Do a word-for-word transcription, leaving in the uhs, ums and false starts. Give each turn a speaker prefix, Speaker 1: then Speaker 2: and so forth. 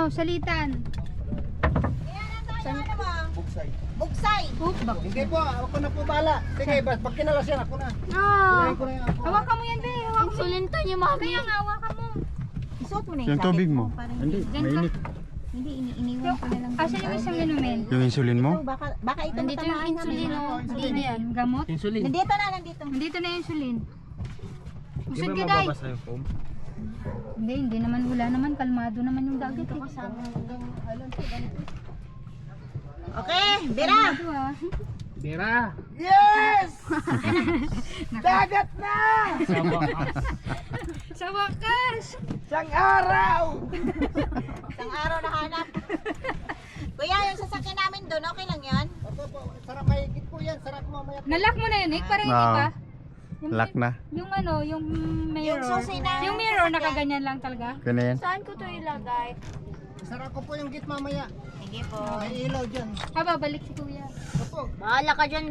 Speaker 1: salitan.
Speaker 2: Saan ano mo?
Speaker 3: Bugsay.
Speaker 2: Bugsay.
Speaker 1: Oop, bak.
Speaker 3: Sige po, ako na po bala. Sige, bas, pag kinalas yan, ako na.
Speaker 1: Ah.
Speaker 3: Kunain ko na yan ako.
Speaker 1: Hawakan mo yan, be. Hawakan mo.
Speaker 4: Insulin to niyo, mami.
Speaker 1: Kaya nga, hawakan mo.
Speaker 2: Isuot mo na
Speaker 5: Yung tubig mo.
Speaker 2: Parang
Speaker 5: Hindi,
Speaker 1: Diyan ka.
Speaker 5: mainit.
Speaker 2: Hindi, ini iniwan ko na lang.
Speaker 1: Asan yung isang inumin?
Speaker 5: Yung insulin mo?
Speaker 2: Ito, baka, baka ito
Speaker 4: Nandito yung
Speaker 2: matamaan
Speaker 4: insulin,
Speaker 2: kami.
Speaker 4: oh.
Speaker 1: Hindi na yan. Gamot?
Speaker 3: Insulin.
Speaker 2: Nandito na, nandito.
Speaker 1: Nandito na yung insulin.
Speaker 3: Di
Speaker 1: Usod
Speaker 3: ba
Speaker 1: ka, day.
Speaker 3: mababasa yung foam?
Speaker 1: Hindi, hindi naman. Wala naman. Kalmado naman yung dagat. Eh.
Speaker 2: Okay, Bira.
Speaker 1: Kalmado, ah.
Speaker 3: Bira! Yes! Dagat na!
Speaker 1: Sa wakas!
Speaker 3: Isang araw!
Speaker 2: Isang araw na hanap. Kuya, yung sasakyan namin doon, okay lang yan?
Speaker 3: Opo po, sarap mahigit po yan. Sarap mamaya po.
Speaker 1: Nalock mo na yun, Nick? Para hindi
Speaker 5: Oo.
Speaker 1: pa? Yung,
Speaker 5: Lock na.
Speaker 1: Yung ano, yung mirror.
Speaker 2: Yung susi na-
Speaker 1: Yung mirror, nakaganyan lang talaga.
Speaker 5: Kaya na yan.
Speaker 4: Saan ko to ilagay?
Speaker 3: Sarap ko po yung git mamaya.
Speaker 2: Sige po.
Speaker 3: May ilaw dyan.
Speaker 1: Ah, babalik si kuya.
Speaker 3: Opo.
Speaker 4: Bahala ka dyan.